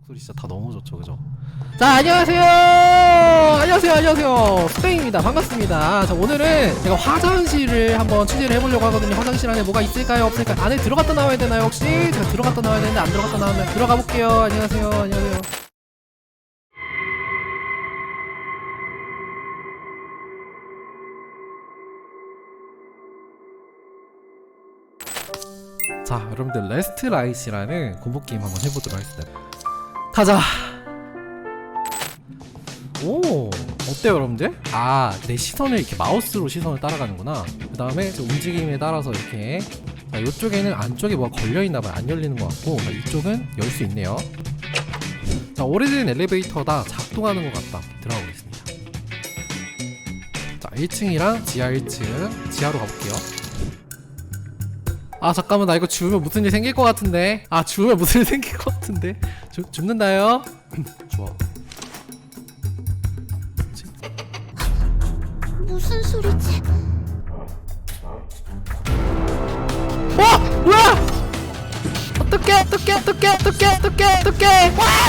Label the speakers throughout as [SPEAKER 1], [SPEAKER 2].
[SPEAKER 1] 목소리 진짜 다 너무 좋죠, 그죠? 자, 안녕하세요. 스테이입니다. 반갑습니다. 자, 오늘은 제가 화장실을 한번 취재를 해보려고 하거든요. 화장실 안에 뭐가 있을까요, 없을까요? 안에 들어갔다 나와야 되나요, 혹시? 제가 들어갔다 나와야 되는데 안 들어갔다 나오면 들어가 볼게요. 안녕하세요. 자, 여러분들 레스트 라이트라는 공포 게임 한번 해보도록 하겠습니다. 가자. 오, 어때요, 여러분들? 아, 내 시선을 이렇게 마우스로 시선을 따라가는구나. 그 다음에 움직임에 따라서 이렇게. 자, 이쪽에는 안쪽에 뭐가 걸려있나봐요. 안 열리는 것 같고, 자, 이쪽은 열 수 있네요. 자, 오래된 엘리베이터다. 작동하는 것 같다. 들어가 보겠습니다. 자, 1층이랑 지하 1층. 지하로 가볼게요. 아, 잠깐만, 나 이거 죽으면 무슨 일 생길 것 같은데. 아, 죽으면 무슨 일 생길 것 같은데. 죽는다요. 좋아.
[SPEAKER 2] 무슨 소리지?
[SPEAKER 1] 와! 뭐야! 어떡해! 와!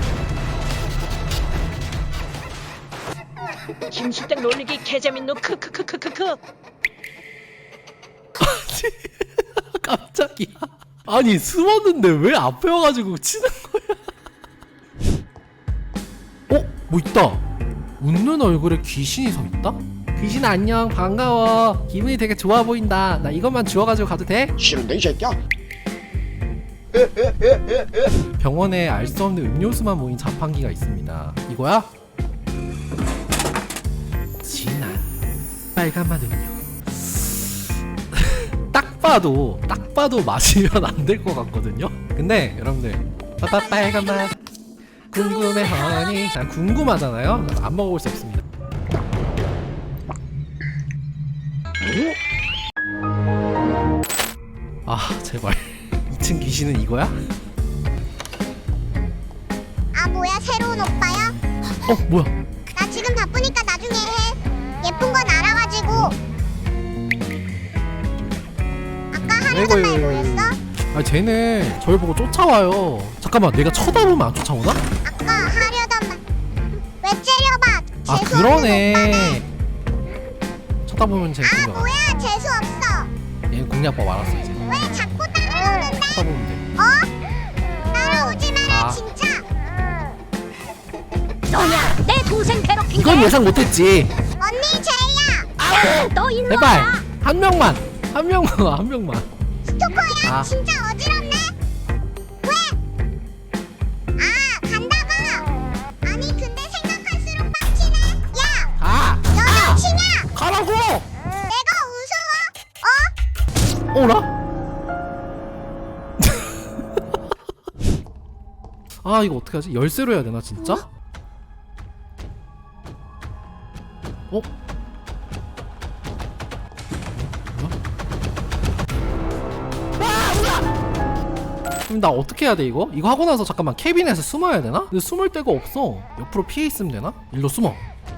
[SPEAKER 3] 김수택 놀리기 개재밌노 크크크크크크.
[SPEAKER 1] 깜짝이야. 아니, 숨었는데 왜 앞에 와가지고 치는 거야? 어? 뭐 있다. 웃는 얼굴에 귀신이 서 있다? 귀신 안녕, 반가워. 기분이 되게 좋아 보인다. 나 이것만 주워가지고 가도 돼?
[SPEAKER 4] 싫은데 이 새끼야?
[SPEAKER 1] 병원에 알 수 없는 음료수만 모인 자판기가 있습니다. 이거야? 진한 빨간맛 음료. 딱 봐도 마시면 안 될 것 같거든요? 근데 여러분들 빨간맛 궁금해 허니. 자, 궁금하잖아요? 안 먹어볼 수 없습니다. 오? 아, 제발 2층 귀신은 이거야?
[SPEAKER 2] 아, 뭐야, 새로운 오빠야?
[SPEAKER 1] 뭐야?
[SPEAKER 2] 나 지금 바쁘니까 나중에 해. 예쁜 건 알아가지고. 아까 하려던 말 뭐였어?
[SPEAKER 1] 아, 쟤는 저를 보고 쫓아와요. 잠깐만, 내가 쳐다보면 안 쫓아오나?
[SPEAKER 2] 아까 하려던 말. 왜 째려봐?
[SPEAKER 1] 아,
[SPEAKER 2] 재수
[SPEAKER 1] 그러네.
[SPEAKER 2] 없는 오빠네.
[SPEAKER 1] 쳐다보면 쟤
[SPEAKER 2] 아,
[SPEAKER 1] 공략.
[SPEAKER 2] 뭐야, 재수 없어.
[SPEAKER 1] 얘는 공략법 알았어 이제.
[SPEAKER 2] 왜 자꾸 따라오는데?
[SPEAKER 1] 쳐다보면 돼.
[SPEAKER 2] 어? 따라오지 마라,
[SPEAKER 1] 아.
[SPEAKER 2] 진짜.
[SPEAKER 3] 너야 내 동생 괴롭힌
[SPEAKER 1] 이건 예상 못했지.
[SPEAKER 2] 언니, 쟤야.
[SPEAKER 3] 너 일로
[SPEAKER 1] 제발
[SPEAKER 3] 와.
[SPEAKER 1] 한 명만.
[SPEAKER 2] 스토커야?
[SPEAKER 1] 아.
[SPEAKER 2] 진짜 어지럽네? 왜? 아, 간다고? 아니, 근데 생각할수록 빡치네. 야,
[SPEAKER 1] 가.
[SPEAKER 2] 여자친이야.
[SPEAKER 1] 가라고.
[SPEAKER 2] 내가 무서워?
[SPEAKER 1] 어라? 아, 이거 어떻게 하지? 열쇠로 해야 되나 진짜? 어? 그럼 나 어떻게 해야 돼 이거? 이거 하고 나서 잠깐만 캐빈에서 숨어야 되나? 근데 숨을 데가 없어. 옆으로 피해 있으면 되나? 일로 숨어.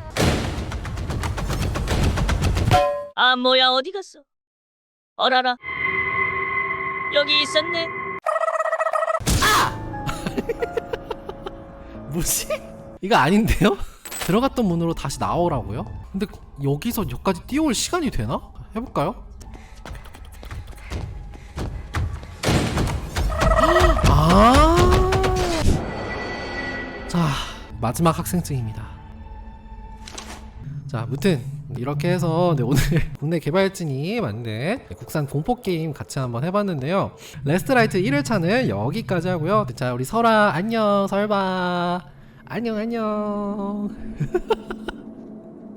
[SPEAKER 3] 아 뭐야 어디 갔어? 어라라 여기 있었네.
[SPEAKER 1] 뭐지? 이거 아닌데요? 들어갔던 문으로 다시 나오라고요? 근데 여기서 여기까지 뛰어올 시간이 되나? 해볼까요? 아, 자, 마지막 학생증입니다. 자, 무튼 이렇게 해서 오늘 국내 개발진이 만든 국산 공포게임 같이 한번 해봤는데요. 레스트라이트 1회차는 여기까지 하고요. 자, 우리 설아 안녕. 설봐 안녕.